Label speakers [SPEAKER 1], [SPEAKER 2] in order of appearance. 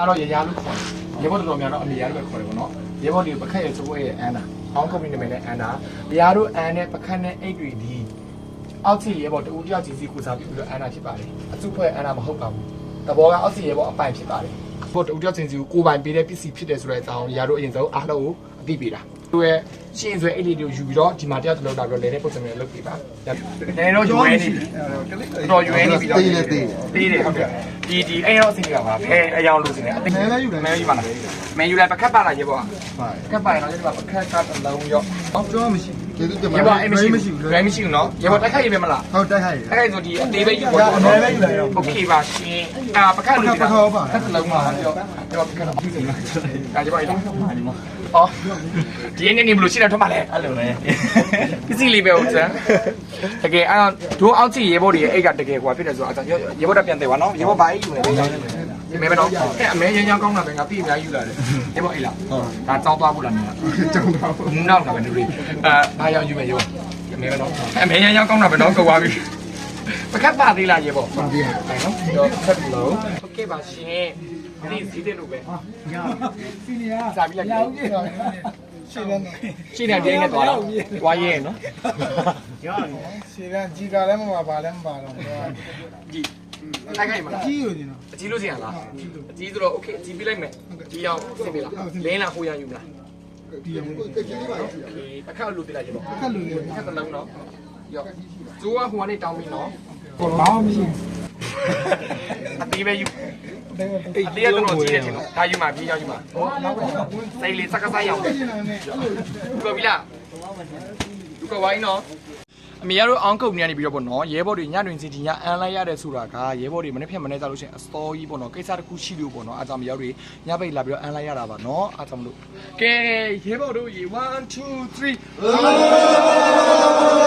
[SPEAKER 1] တော့ရရလို့ခေါ်ရေဘော်တော်များတော့အမေရလို့ပဲခေါ်တယ်ပေါ့နော်ရေဘော်ဒီပခက်ရဲ့စိုးရဲ့အန်နာအောင်းကုမ္ပဏီနာမည်နဲ့အန်နာရရတို့အန်နဲ့ပခက်နဲ့အိတ်တွေဒီအောက်စီရေဘော်တူတယောက်ချင်းစီကိုစားပြီးပြီးတော့အန်နာဖြစ်ပါတယ်အစုဖွဲ့အန်နာမဟုတ်ပါဘူးတဘောကအောက်စီရေဘော်အပိုင်ဖြစ်ပါတယ်ဘော်တူတယောက်ချင်းစီကိုပိုင်ပေးတဲ့ပစ္စည်းဖြစ်တယ်ဆိုတဲ့အကြောင်းရရတို့အရင်ဆုံးအားလုံးကိုအသိပေးတာသူရဲ့ရှင်းဆွဲအိတ်လေးတွေကိုယူပြီးတော့ဒီမှာတယောက်တစ်လုံးလာပြီးတော့လဲတဲ့ပုံစံမျိုးလုပ်ပေးပါလဲတော့ယူနေပြီတော့ယူနေပြီတော့တေးတယ်ဟုတ်တယ်ဒီအဲ့တော့အစီအကပါဖဲအယောင်လို့စနေအသိမဲယူပါလားမဲယူလိုက်ပကတ်ပါလားရေဘောကတ်ပါရင်တော့ဒီမှာပကတ်ကအလုံးရောတော့မရှိကျေးဇူးတင်ပါတယ်ရေဘောမရှိဘူးနော်ရေဘောတိုက်ခိုက်ရမယ်မလားဟုတ်တိုက်ခိုက်ဆိုဒီအသေးပဲယူပါအမဲပဲယူလိုက်ရောโอเคပါရှင်ပကတ်လို့ဒီကတ်လုံးပါပြောရေဘောပကတ်တော့ပြီးနေလားဒါရေဘောအဲ့အော်ဒီနေ့နေဘလို့ရှိတယ်ထွက်ပါလေအဲ့လိုပဲပစ္စည်းလေးပဲဟုတ်စမ်းတကယ်အဲ့တို့အောက်ကြည့်ရေဘောတွေအိတ်ကတကယ်ကွာဖြစ်တယ်ဆိုတော့ရေဘောတက်ပြန်တယ်ကွာနော်ရေဘောဘာကြီးယူလဲဒီမဲပဲနော်အဲ့အမဲရမ်းကောင်းတာပဲငါပြည့်အများယူလာတယ်ရေဘောအိတ်လားဒါတောင်းသွားဖို့လားနေတာတောင်းသွားဖို့နောက်တာပဲတို့ဘာရောက်ယူမယ်ရောအမဲပဲနော်အမဲရမ်းကောင်းတာပဲနော်ကုန်သွားပြီပကတ်ပါသေးလားရေဘောပါသေးတယ်နော်တော့ဆက်ပြီးလို့โอเคပါရှင်ဒီစီးတယ်လို့ပဲရစီနီယာစာပြီးလိုက်ရှင်းတယ်တင်းနဲ့သွားတော့တွားရဲနော်ရရှင်းတယ်ကြီးကလည်းမပါလည်းမပါတော့ကြီးတိုက်ခိုက်မှာကြီးလို့ရှင်နော်အကြီးလို့ရှင်လားအကြီးဆိုတော့โอเคအကြီးပြလိုက်မယ်ကြီးအောင်ဆင်ပြီလားလင်းလားဟိုရယူမလားဒီအောင်တက်ကြီးလေးပါအခက်လို့ပြလိုက်ရတော့အခက်လို့အခက်တလုံးနော်ရောဇိုးကဟိုကနေတောင်းပြီးနော်ဘာမှမရှိအသေးပဲယူအေးလေးကတော့ကြည့်တယ်နော်ဒါယူမှာပြေးရောက်ယူမှာစိတ်လေးစက္ကစရောက်ပြောပြီလားသူကဝိုင်းနော်အမေတို့အောင်းကုတ်နေရနေပြီးတော့ပေါ့နော်ရဲဘော်တွေညတွင်စီတီညအန်လိုက်ရတဲ့ဆိုတာကရဲဘော်တွေမနေ့ဖြတ်မနေ့ကြလို့ရှိရင်အစတော်ကြီးပေါ့နော်ကိစ္စတစ်ခုရှိလို့ပေါ့နော်အားကြောင့်မရောက်တွေညပိတ်လာပြီးတော့အန်လိုက်ရတာပါနော်အားကြောင့်မလို့ကဲရဲဘော်တို့ရေ1 2 3